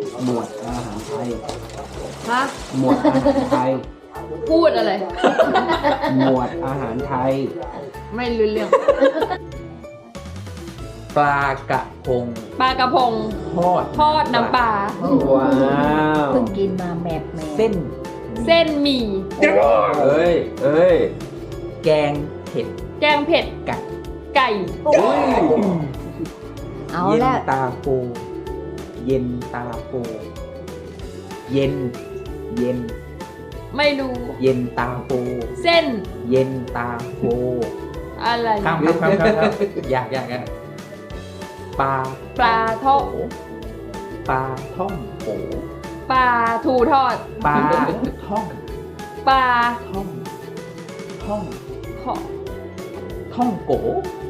หมวดอาหารไทยฮะหมวดอาหารไทยพูดอะไรหมวดอาหารไทยไม่รู้เรื่องปลากระพงปลากระพง ทอดน้ำปลาว้าวเพิ่งกินมาแมบเส้นเส้นหมี่เอ้ย แกงเผ็ดแกงเผ็ดไก่ไก่เอาเย็นแล้วตาโฟเย็นตาโฟเย็น เย็นไม่รู้เย็นตาโฟเส้นเย็นตาโฟอะไรข้ามอยากปลาปลาทอดปลาท่องโขปลาทูทอดปลาท่องปลาท่องท่องขอท่องโก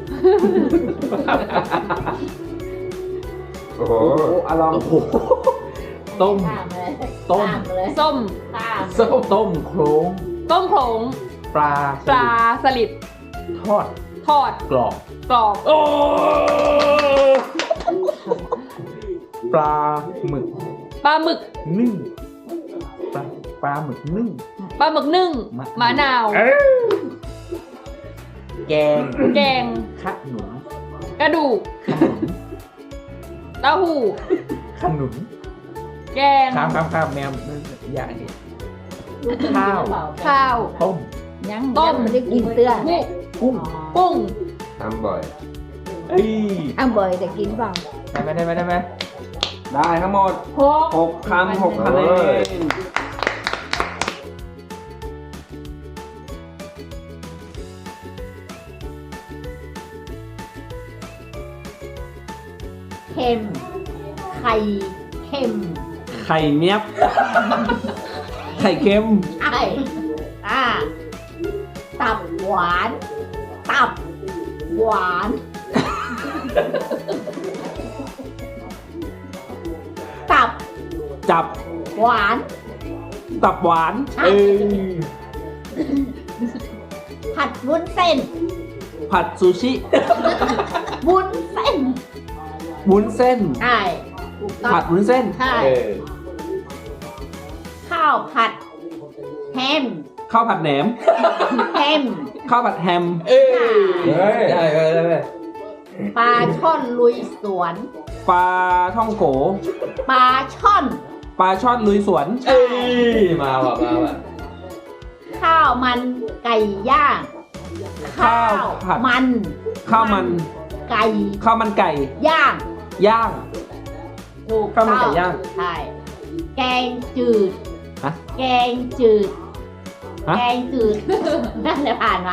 โอ้โหอลองต้มตามเลยต้มตามเลยส้มตามต้มโครงต้มโขลงปลาปลาสลิดทอดทอดกรอบกรอบปลาหมึกปลาหมึกนึ่งปลาหมึกนึ่งปลาหมึกนึ่งมะนาวแกงแกงขนุนกระดูกขนุนเต้าหู้ขนุนแกงข้ามแมวอย่างนี้ข้าวข้าวต้มยังต้มไม่ได้กินเตื้อกุ้งกุ้งทำบ่อยเอ้ยอ้าวบ่อยแต่กินเปล่าได้ไหมได้ทั้งหมดหก 6 คำ 6 คะแนนเค็มไข่เค็มไข่เนี้ยบ ไข่เค็มไอ้ตับหวาน ตับหวาน ตับจับหวานตับหวานใช่ ผัดวุ้นเส้นผัดซูชิวุ้นเส้นวุ้นเส้นใช่ถูกต้องผัดวุ้นเส้นใช่ข้าวผัดแฮมข้าวผัดแหนมแฮมข้าวผัดแฮมได้ปลาช่อนลุยสวนปลาท่องโกปลาช่อนปลาช่อนลุยสวนมาว่ะข้าวมันไก่ย่างข้าวผัดมันข้าวมันไก่ข้าวมันไก่ย่างย่างถูกข้าวมันไก่ต้องย่างใช่แกงจืดฮะแกงจืดฮะแกงจืด นั่นแหละผ่าน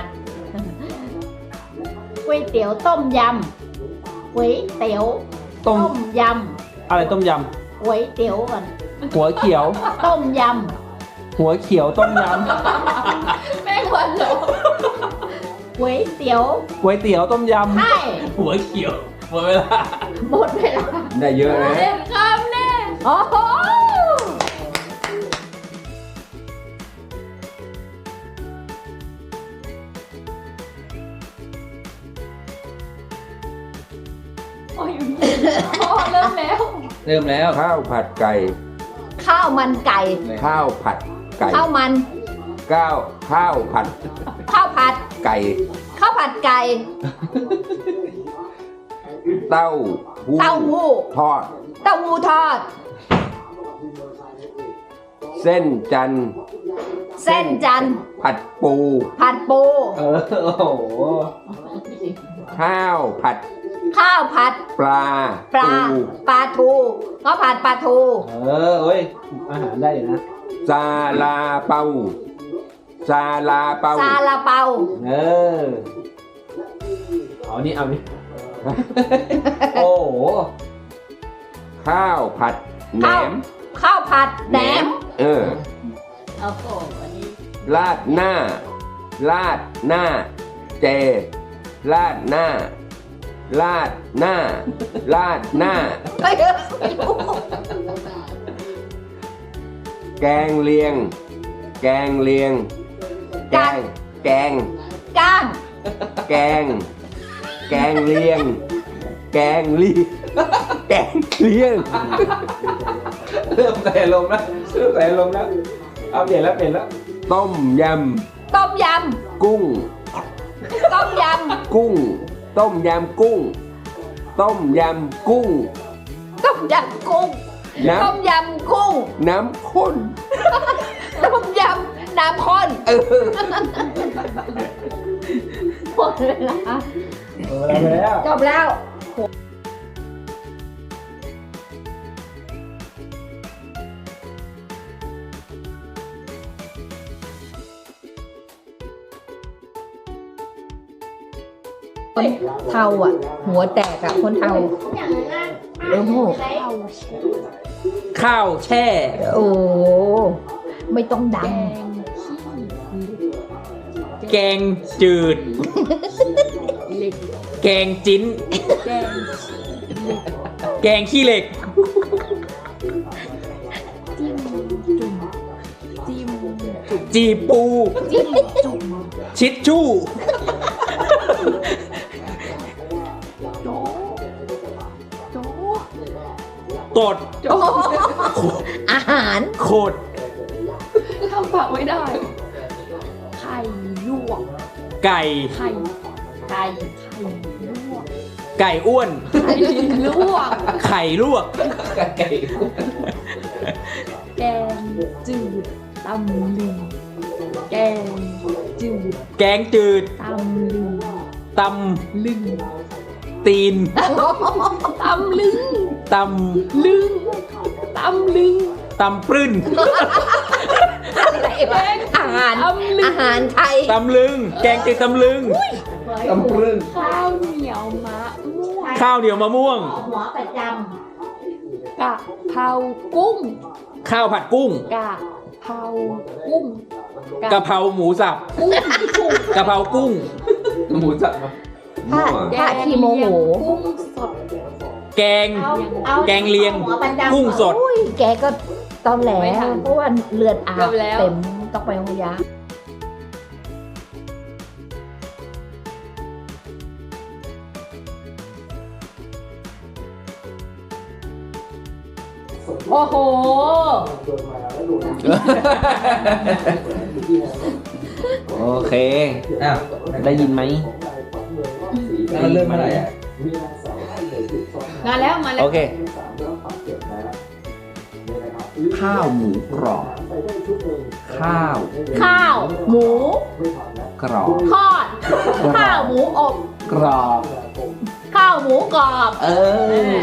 ก๋วยเตี๋ยวต้มยำก๋วยเตี๋ยวต้มยอะไรต้มยำก๋วยเตี๋ยวก่อนำหัวเขียวต้มยหัวเขียวต้มยแม่งวันเหรอำก๋วยเตี๋ยวำก๋วยเตี๋ยวต้มยใช่หัวเขียวหมดเวลาหมดเวลาได้เยอะนะเต็มคำแน่โอ้โหโอ้ยพ่อเริ่มแล้วเริ่มแล้วข้าวผัดไก่ข้าวมันไก่ข้าวผัดไก่ข้าวมันข้าวผัดข้าวผัดไก่ข้าวผัดไก่เต้าหู้เต้าหู้ทอดเต้าหู้ทอดเส้นจันทร์เส้นจันทร์ผัดปูผัดปูำโอ้โหข้าวผัดข้าวผัดปลาปลาทูปลาทูข้าวผัดปลาทูเอ้ย อาหารได้อยู่นะซาลาเปาซาลาเปาซาลาเปาเอานี่ เอานี่ โอ้โหข้าวผัดแหนมข้าวผัดแหนมเออโอ้โหอันนี้ราดหน้า ราดหน้า เจ ราดหน้า ราดหน้า ราดหน้าไม่รู้แกงเลียง แกงเลียง แกง แกงก้างแกง แกงเลียง แกงเลียงแกงเลียงเริ่มใส่ลมณ์แล้วเริ่มใส่ลมณ์แล้วเอาเปลี่ยนแล้วต้มยต้มยำกุ้งำต้มยกุ้ง ต้มยำกุ้ง ต้มยำกุ้งำต้มยำกุ้งน้ต้มยำกุ้งำน้ำข้นต้มยำน้ำข้นหมดเวลาแล้วจบแล้วคนเทาอ่ะ หัวแตกอ่ะ คนเทาโอ้โหข้าวแช่โอ้ไม่ต้องดังแกงจืด แกงจิ้น แกงขี้เหล็ก จีปู ชิดชู่ ตดอาหารโคดทำปากไม่ได้ ไข่ลวกไก่ไข่ไก่ลวกไก่อ้วนไข่ลวกไข่ลวกไก่แกงจืดตำลึงแกงจืดแกงจืดตำลึงตลึงำตีนตำลึงตลึงตำลึงำ ตำปรึ้นอะไรวะอาหาร อาหารไทยตำลึง แกงจืดตำลึงตำปรึ้งข้าวเหนียวมะม่วงข้าวเหนียวมะม่วงหัวประจกะเพรากุ้งข้าวผัดกุ้งกะเพรากุ้งกะเพราหมูสับกุ้งกะเพรากุ้งหมูสับำถ้าขี้โมโหกุ้งสดแกง แกงเลียง กุ้งสดอุ้ยแกก็ตอนแหลไม่ทันเพราะว่าเลือดอาเกืบอบแล้วเต็มต้องไปโรงพยาบาล โอ้โหโอเคอ้าวได้ยินไหมมันเริ่มเมื่อไหร่อ่ะมาแล้วมาแล้วโอเค ข้าวหมูกรอบ ข้าวข้าว หมูกรอบทอด ข้าวหมูอบกรอบข้าวหมูกรอบเออ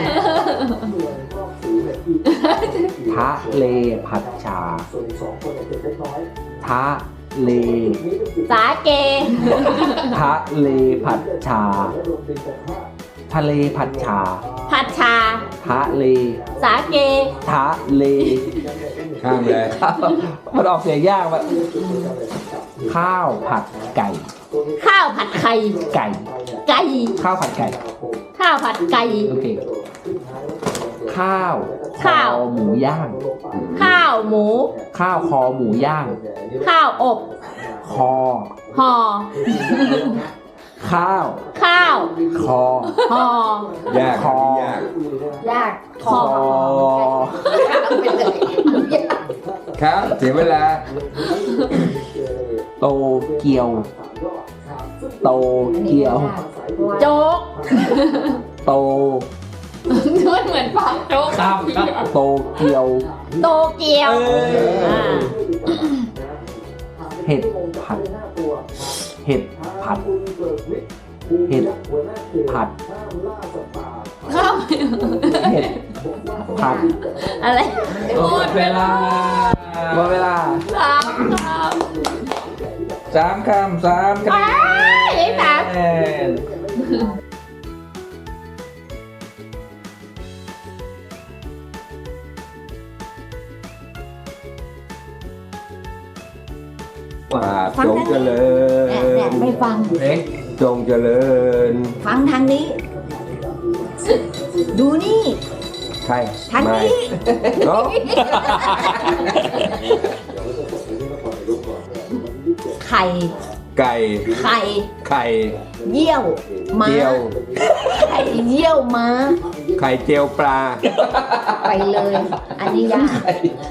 ทะเลผัดชา ทะเลสาเกทะเลผัดชา ทะเลผัดชาผัดชาทะเลสาเกทะเลข้ามเลยมันออกเสียงยากว่ะข้าวผัดไก่ข้าวผัดไข่ไก่ไก่ข้าวผัดไก่ข้าวผัดไก่โอเค ข้าวข้าวคอหมูย่างข้าวหมูข้าวคอหมูย่างข้าวอบคอห่อข้าวข้าวคอห่อยากคอยากยากคอไปเลยครับเสียเวลาโตเกียว โตเกียวโจ๊กโตมันเหมือนปากโจ๊กครับโตเกียวโตเกียวเอ้ยอ่าเห็ดผัด เห็ดผัด เห็ดผัดข้าวเห็ดผัดอะไรหมดเวลาหมดเวลาสามคำสามคำไอ้สามว่าจงเจริญไม่ฟังจงเจริญฟังทางนี้ ดูนี่ใช่ทางนี้เนาะไข่ไไก่ไข่ไข่เยี่ยวม้าเจียวไข่เยี่ยวม้าไข่เจียวปลาไปเลย อันนี้ยาก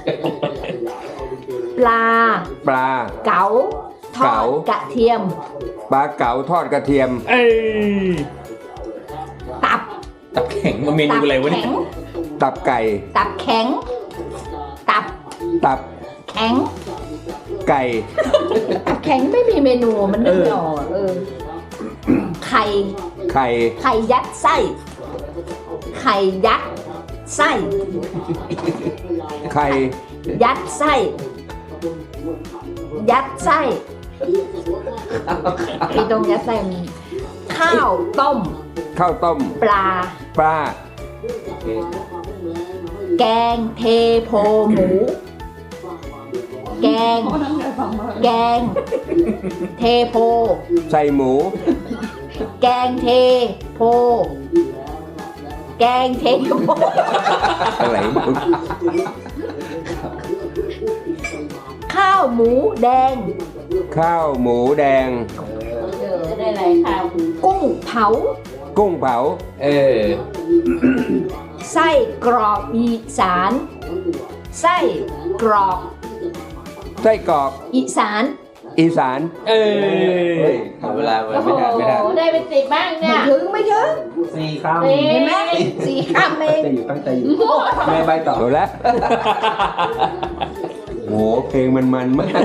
ปลาปลาเก๋าทอเก๋าดกระเทียมปลาเก๋าทอดกระเทียมเอ้ยตับตับแข็งมาเมนูอะไรวะเนี่แข็ยงตับไก่ตับแข็ง ตับตับแข็งไก่ตับแข็งไม่มีเมนูมันนึกไม่ออกไข่ไข่ไข่ยัดไส้ ไข่ยัดไส้ไข่ยัดไส้ ยัดไส้พี่ตรงยัดไส้มีข้าวต้มข้าวต้มปลาปลาแกงเทโพหมู แกง แกง เทโพใส่หมูแกงเทโพ แกงเทโพอะไรข้าวหมูแดงข้าวหมูแดงได้ไรข้าวกุ้งเผากุ้งเผาเออไส้กรอกอีสาน ไส้กรอกไส้กรอกอีสานอีสานเอ้ยหมดเวลาไม่ทันไม่ทันได้เป็น10บ้างเนี่ยไม่ถึงสี่คำเห็นไหมสี่คำเองจะอยู่ตั้งใจอยู่ไม่ใบต่อหมดแล้ว โหเพลงมันมาก